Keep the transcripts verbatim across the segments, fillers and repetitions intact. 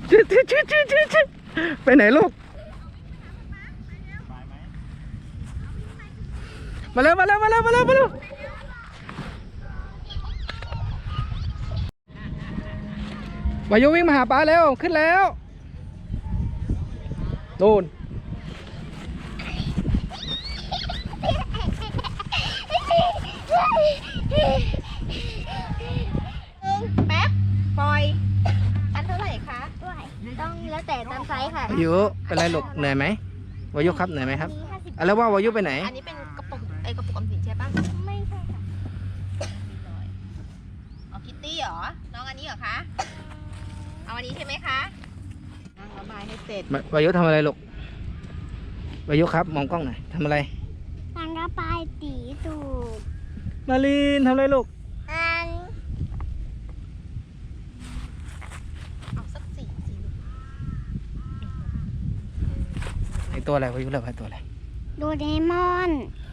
จิ๊ดจิ๊ดจิ๊ดจิ๊ดจิ๊ดไปไหนลูกมาเร็วมาเร็วมาเร็วมาเร็วมาเร็ววายุวิ่งมาหาป้าเร็วขึ้นแล้วโน่นแป๊บปล่อยอันเท่าไหร่คะด้วยต้องแล้วแต่ตามไซส์ค่ะวายุเป็นไรลูกเหนื่อยไหมวายุครับเหนื่อยไหมครับแล้วว่าวายุไปไหนอันนี้เป็นกระปุกไอกระปุกออมสินใช่ปะไม่ใช่ค่ะเอาคิตตี้เหรอน้องอันนี้เหรอคะเอาอันนี้ใช่ไหมคะนั่งระบายให้เสร็จวายุทำอะไรลูกวายุครับมองกล้องหน่อยทำอะไรนั่งระบายตีตูดมาลีนทำอะไรลูกอันเอาสักสี่สี่ไอตัวอะไรวายุเลือกไอตัวอะไรโดเรมอน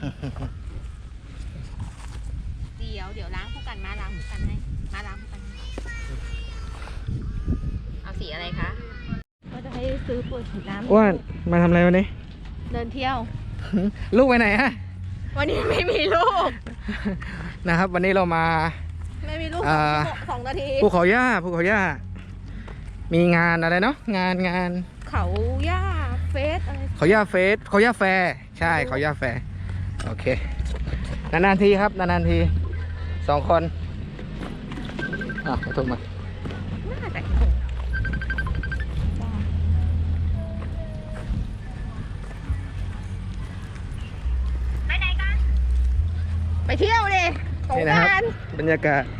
เดี๋ยวเดี๋ยวล้างคู่กันมาล้างคู่กันให้มาล้างคู่กันเอาสีอะไรคะก็จะให้ซื้อเปิดฉีดน้ำอ้วนมาทำอะไรวันนี้เดินเที่ยวลูกไปไหนฮะวันนี้ไม่มีลูกนะครับวันนี้เรามาไม่มีลูกสองนาทีภูเขาย่าภูเขาย่ามีงานอะไรเนาะงานงานเขาย่าเฟสอะไรเขาย่าเฟสเขาย่าแฟร์ใช่เขาย่าแฟร์โอเคนานๆทีครับนานๆทีสองคนอ่ะถูกมาไปไหนกันไปเที่ยวดิสงกรานต์บรรยากาศ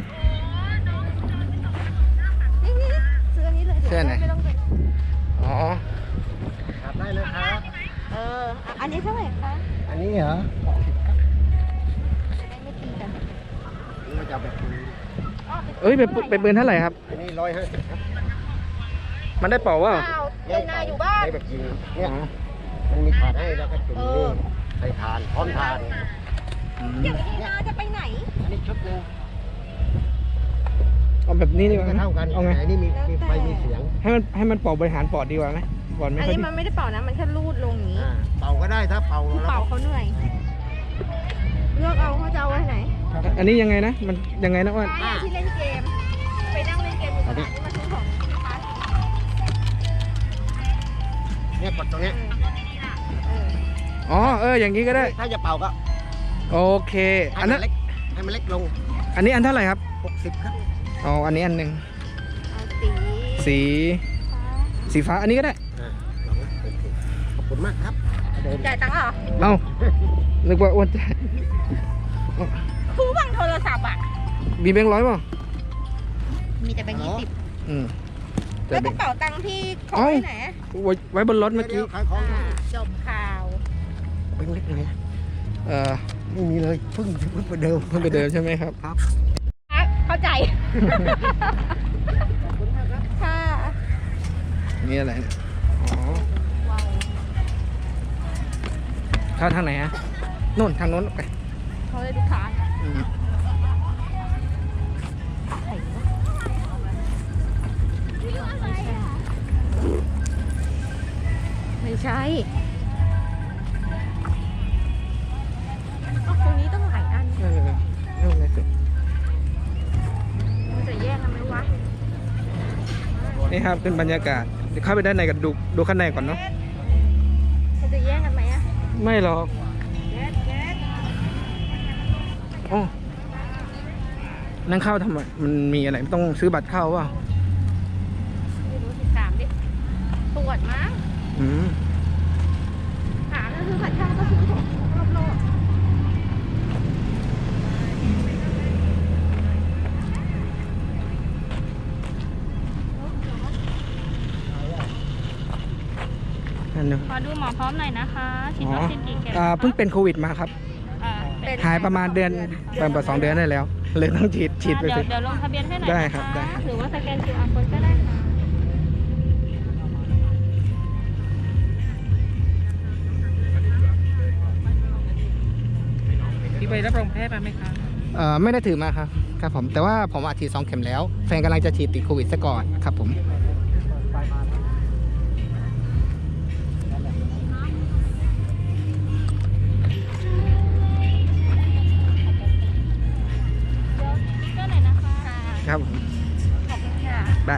นี่ๆซื้ออันนี้เลยเสื้อไหนอ๋อได้เลยครับเอออันนี้เท่าไหร่คะอันนี้เหรอจะได้ไม่ตีกันนี่มันจะแบบปืนเอ้ยเป็นเป็นปืนเท่าไหร่ครับอันนี้ร้อยห้าสิบครับมันได้เป่าว่าเล่นนาอยู่บ้านได้แบบยิงเนี่ยมันมีถาดให้แล้วก็จุ่มนี่ใส่ทานพร้อมทานอย่างนี้นาจะไปไหนอันนี้ชุดนึงเอาแบบนี้ดีกว่าเท่ากันเอาไงอันนี้มีมีไฟมีเสียงให้มันให้มันเป่าบริหารปอดดีกว่าไหมปอดไม่ค่อยอันนี้มันไม่ได้เป่านะมันแค่ลูดลงอย่างนี้เป่าก็ได้ถ้าเป่าเป่าเขาเหนื่อยเลือกเอาเขาจะเอาไว้ไหนอันนี้ยังไงนะมันยังไงนะอ้วนที่เล่นเกมไปนั่งเล่นเกมอยู่ตรงนี้มาซื้อของเนี่ยกดตรงนี้อ๋อเอออย่างนี้ก็ได้ถ้าจะเป่าก็โอเคอันนั้นให้มันเล็กลงอันนี้อันเท่าไหร่ครับหกสิบครับอ๋ออันนี้อันหนึ่งสีสีสีฟ้าอันนี้ก็ได้ขอบคุณมากครับจ่ายตังค์เหรอเอ้านึกว่าอ้วนจ่ายผู้บังโทรศัพท์อ่ะมีแบงค์ร้อยป่ะมีแต่แบงค์ยี่สิบอืมแล้วกระเป๋าตังค์พี่ของไว้ไหนไว้บนรถเมื่อกี้จบข่าวเป็นเล็กไงเออไม่มีเลยเพิ่งเพิ่งไปเดิมเพิ่งไปเดิมใช่ไหมครับครับเข้าใจค่ะนี่อะไรอ๋อเข้าทางไหนฮะโน่นทางโน้นไปเขาเลยลูกค้าไม่ใช่ตรงนี้ต้องหลายอันเออเอาไงสิมันจะแยกกันไหมวะนี่ครับเป็นบรรยากาศเดี๋ยวเข้าไปด้านในกันดูดูข้างในก่อนเนาะมันจะแยกกันไหมอะไม่หรอกอ๋อนั่งเข้าทำไมมันมีอะไรต้องซื้อบัตรเข้าเปล่าไม่รู้สิถามดิตรวจมั้งอืมถามแล้วซื้อบัตรเข้าก็ซื้อของรอบโลกขอดูหมอพร้อมหน่อยนะคะฉีดวัคซีนกี่เข็มเพิ่งเป็นโควิดมาครับหายประมาณเดือนประมาณสองเดือนได้แล้วเลยต้องฉีดฉีดไปเดี๋ยวเดี๋ยวลงทะเบียนให้หน่อยได้ครับได้หรือว่าสแกน คิว อาร์ โค้ดก็ได้ค่ะที่ใบรับรองแพทย์มาไหมคะเอ่อไม่ได้ถือมาครับครับผมแต่ว่าผมอาฉีดสองเข็มแล้วแฟนกำลังจะฉีดติดโควิดซะก่อนครับผมครับผมขอบคุณค่ะได้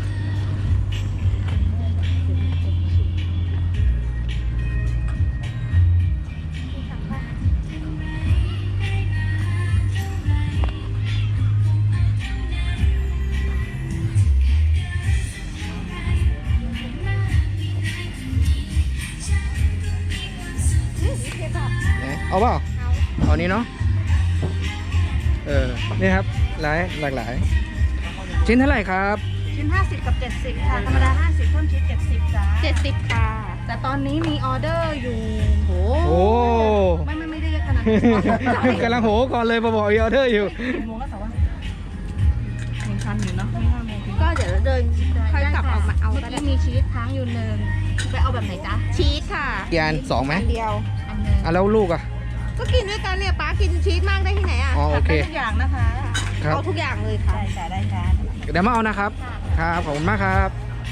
ไหนเอาเปล่าเอานี้เนาะเออนี่ครับหลายหลากหลาย ชิ้นเท่าไหร่ครับชิ้นห้าสิบกับเจ็ดสิบค่ะ ธรรมดาห้าสิบเพิ่มชิ้นเจ็ดสิบจ้าเจ็ดสิบค่ะแต่ตอนนี้มีออเดอร์อยู่โหโอ้ไม่ไม่ไม่ได้เยอะขนาดนั้นกำลังโหก่อนเลยมาบอกออเดอร์อยู่กี่โมงแล้วแต่ว่ายังทันอยู่เนาะไม่ห้าโมงถึงก็เดี๋ยวเดินค่อยกลับออกมาเอาเมื่อก็ได้กี้มีชีสค้างอยู่หนึ่งไปเอาแบบไหนจ๊ะ ชีสค่ะกี่อันสองไหมอันเดียวอันหนึ่งอ่ะแล้วลูกอ่ะก็กินด้วยกันเนี่ยป้ากินชีสมากได้ที่ไหนอ่ะอ๋อโอตัดเคได้ทุกอย่างนะคะครับเอาทุกอย่างเลยค่ะได้จ้าได้จ้าเดี๋ยวมาเอานะครับ ครับ ขอบคุณมากครับ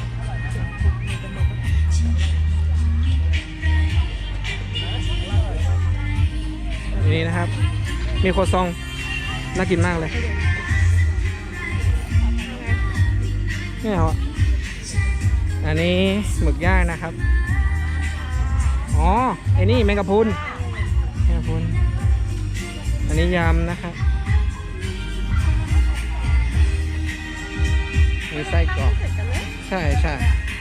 นี่นะครับ มีโคซอง น่ากินมากเลยนี่เหรออันนี้หมึกย่างนะครับ อ๋อ ไอ้นี่แมงกะพรุนแมงกะพรุน อันนี้ยำนะครับ มีไส้กรอกใช่ใช่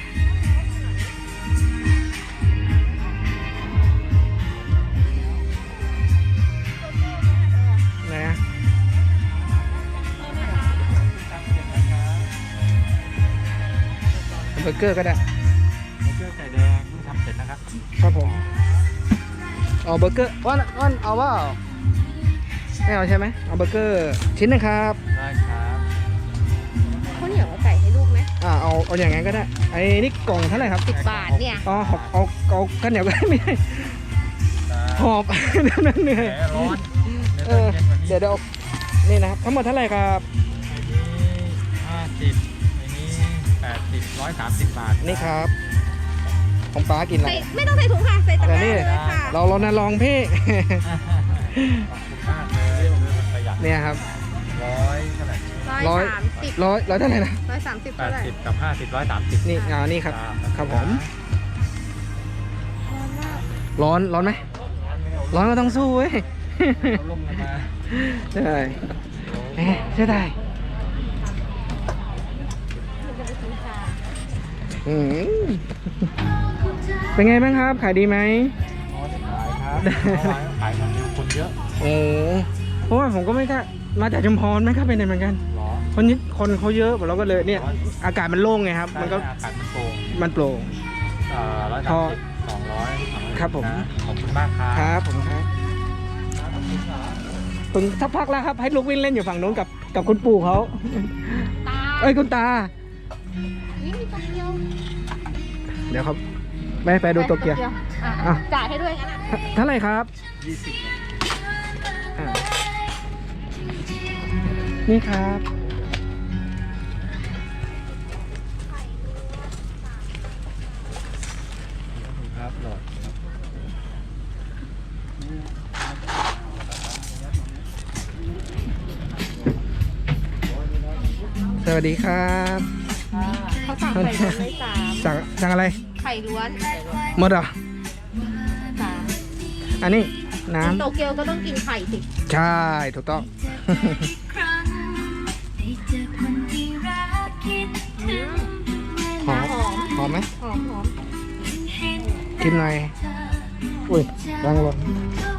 ไหนอะเบอร์เกอร์ก็ได้เบอร์เกอร์ไก่แดงเพิ่งทำเสร็จนะครับครับผมเอาเบอร์เกอร์อ้อนอ้อนเอาว่าไม่เอาใช่ไหมเอาเบอร์เกอร์ชิ้นหนึงครับได้ครับข้าวเหนียวกับไก่ให้ลูกไหมอ่าเอาเอาอย่างงั้นก็ได้ไอ้นี่กล่องเท่าไหร่ครับสิบบาทเนี่ยอ๋อเอาเอาเอาข้าวเหนียวก็ได้ไม่ได้หอบ นั่นเหนื่อยแหมร้อนเออเดี๋ยวเดี๋ยวเอานี่นะครับทั้งหมดเท่าไหร่ครับอันนี้ห้าสิบอันนี้แปดสิบร้อยสามสิบบาทนี่ครับ ของป้ากินอะไรใส่ไม่ต้องใส่ถุงค่ะ ใส่ตะกร้าเดี๋ยวนี่เลยค่ะเราเรานะลองพี่ขอบคุณมากเลยประหยัดเนี่ยครับร้อยเท่าไหร่ร้อยสามสิบร้อยร้อยเท่าไหร่นะร้อยสามสิบแปเท่าดไหร่สิบกับห้าสิบร้อยสามสิบนี่อ่านี่ครับ ครับผมร้อนมากร้อนร้อนไหมร้อนก็ต้องสู้เว้ยเอาลมกันมาใช่แหมใช่ได้อืมเป็นไงบ้างครับ ขายดีไหมอ๋อได้ขายครับขายมันเร็วคนเยอะโอ้เพราะว่าผมก็ไม่กล้ามาจากชุมพรไม่กล้าไปไหนเหมือนกันหรอคนนี้คนเขาเยอะเราก็เลยเนี่ย อากาศมันโล่งไงครับ มันก็อากาศมันโปร่งมันโปร่งเอ่อร้อยพสาอมสิบสองร้อยครับผมขอบคุณมากครับครับผมครับถึงสักพักแล้วครับ ให้ลูกวิ่งเล่นอยู่ฝั่งโน้นกับกับคุณปู่เขาตาเอ้ยคุณตานี่มีตัวเดียวเดี๋ยวครับไม่ไปดูโตเกียวอ่ะอ่ะจ่ายให้ด้วยงั้นอ่ะเท่าไหร่ครับยี่สิบอ่านี่ครับครับหลอดสวัสดีครับเขาสั่งไข่ล้วนไว้สามสั่งสั่งอะไรไข่ล้วนหมดเหรอสามอันนี้น้โตเกียวก็ต้องกินไข่สิำใช่ถูกต้อง หอมหอมหอมไหมหอมหอมกินหน่อยอุ้ยรังหล่น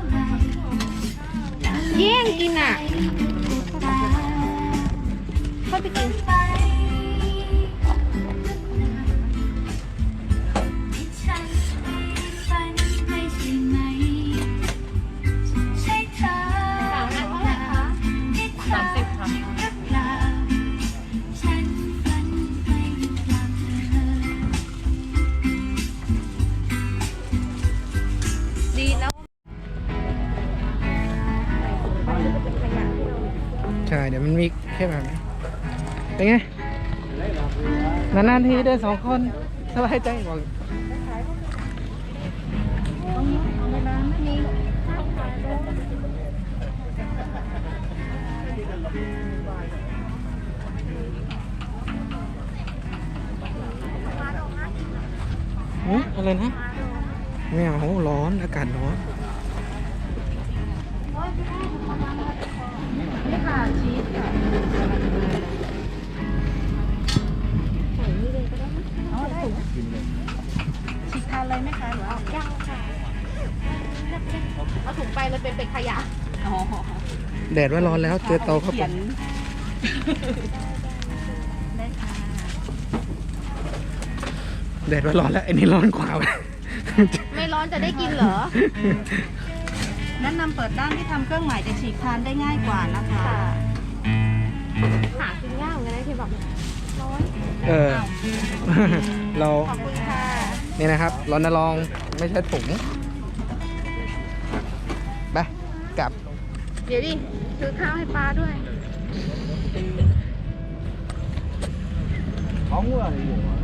แย่งกินอ่ะเข้าไปกิน สามอันเท่าไหร่คะสามสิบค่ะดีแล้วใช่ เดี๋ยวมันมีแค่แบบนี้เป็นไง นานๆทีเดินสองคนสบายใจบอกอะไรนะไม่เอาร้อนอากาศร้อนนี่ค่ะชีสค่ะเอาได้ชีสทานเลยไหมคะหรือว่ายังค่ะเอาถุงไปมันเป็นเป็นขยะอ๋อแดดว่าร้อนแล้วเจอเตาเข้าไปขียนได้ค่ะแดดว่าร้อนแล้วไอ้นี่ร้อนกว่าไม่ร้อนจะได้กินเหรอแนะนำเปิดด้านที่ทำเครื่องหมายจะฉีกทานได้ง่ายกว่านะคะหากินยากเหมือนกันนะที่แบบร้อนเออ เราขอบคุณค่ะนี่นะครับรณรงค์ไม่ใช่ถุงไปกลับเดี๋ยวดิซื้อข้าวให้ปลาด้วยของเมื่อไหร่อยู่